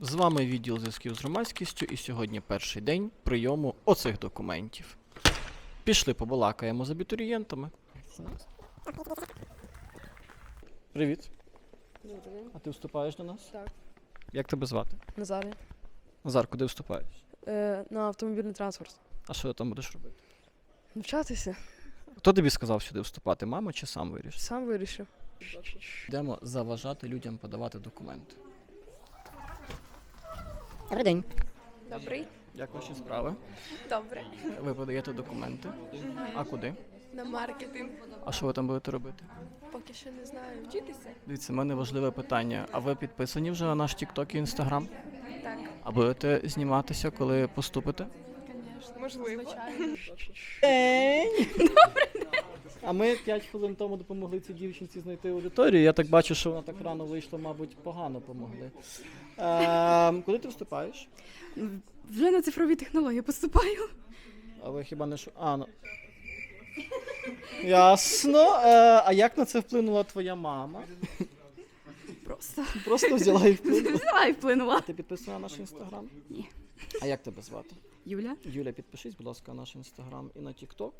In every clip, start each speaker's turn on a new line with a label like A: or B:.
A: З вами відділ зв'язків з громадськістю, і сьогодні перший день прийому оцих документів. Пішли побалакаємо з абітурієнтами. Привіт. А ти вступаєш до нас?
B: Так.
A: Як тебе звати?
B: Назарі.
A: Назар, куди вступаєш?
B: На автомобільний транспорт.
A: А що ти там будеш робити?
B: Навчатися.
A: Хто тобі сказав сюди вступати? Мама чи сам вирішив?
B: Сам вирішив.
A: Йдемо заважати людям подавати документи.
C: Добрий день.
D: Добрий.
A: Як ваші справи?
D: Добре.
A: Ви подаєте документи? А куди?
D: На маркетинг.
A: А що ви там будете робити?
D: Поки що не знаю. Вчитися?
A: Дивіться, в мене важливе питання. А ви підписані вже на наш TikTok і Instagram?
D: Так.
A: А будете зніматися, коли поступите?
D: Звісно. Можливо.
A: А ми 5 хвилин тому допомогли цій дівчинці знайти аудиторію. Я так бачу, що вона так рано вийшла, мабуть, погано помогли. Куди ти вступаєш?
E: Вже на цифрові технології поступаю.
A: А ви хіба не що? Ну. Ясно. А як на це вплинула твоя мама?
E: Просто
A: Просто взяла і вплинула.
E: взяла і вплинула.
A: Ти підписана на наш інстаграм?
E: Ні.
A: А як тебе звати?
E: Юля.
A: Юля, підпишись, будь ласка, на наш інстаграм і на TikTok.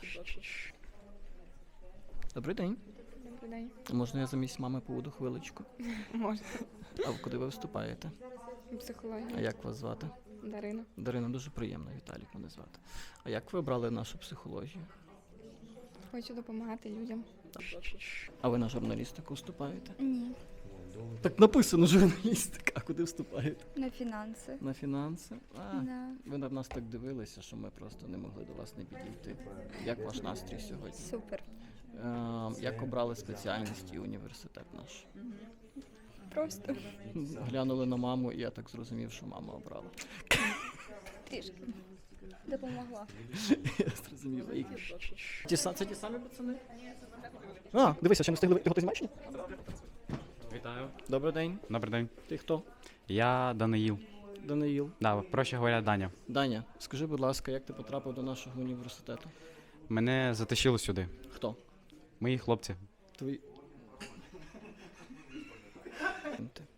A: Добрий день.
D: Добрий день.
A: Можна я замість мами побуду хвиличку?
D: Можна.
A: А куди ви вступаєте? А
D: Психологія.
A: як вас звати?
D: Дарина.
A: Дарина, дуже приємно, Віталік мене звати. А як ви обрали нашу психологію?
D: Хочу допомагати людям.
A: А ви на журналістику вступаєте?
C: Ні,
A: Так написано журналістика. А куди вступаєте?
C: на фінанси.
A: На фінанси?
C: Да.
A: Ви на нас так дивилися, що ми просто не могли до вас не підійти. Як ваш настрій сьогодні?
C: Супер.
A: Як обрали спеціальність і університет наш?
D: Просто.
A: Глянули на маму, і я так зрозумів, що мама обрала.
C: Трішки. Допомогла.
A: Я зрозумів. Це ті самі пацани? Дивися, ще не встигли. Ти знімаєш?
F: Вітаю.
A: Добрий день.
F: Добрий день.
A: Ти хто?
F: Я Даниїл.
A: Даниїл.
F: Да, проще говоря, Даня.
A: Даня, скажи, будь ласка, як ти потрапив до нашого університету?
F: Мене затащили сюди.
A: Хто?
F: Мої хлопці.
A: Твої.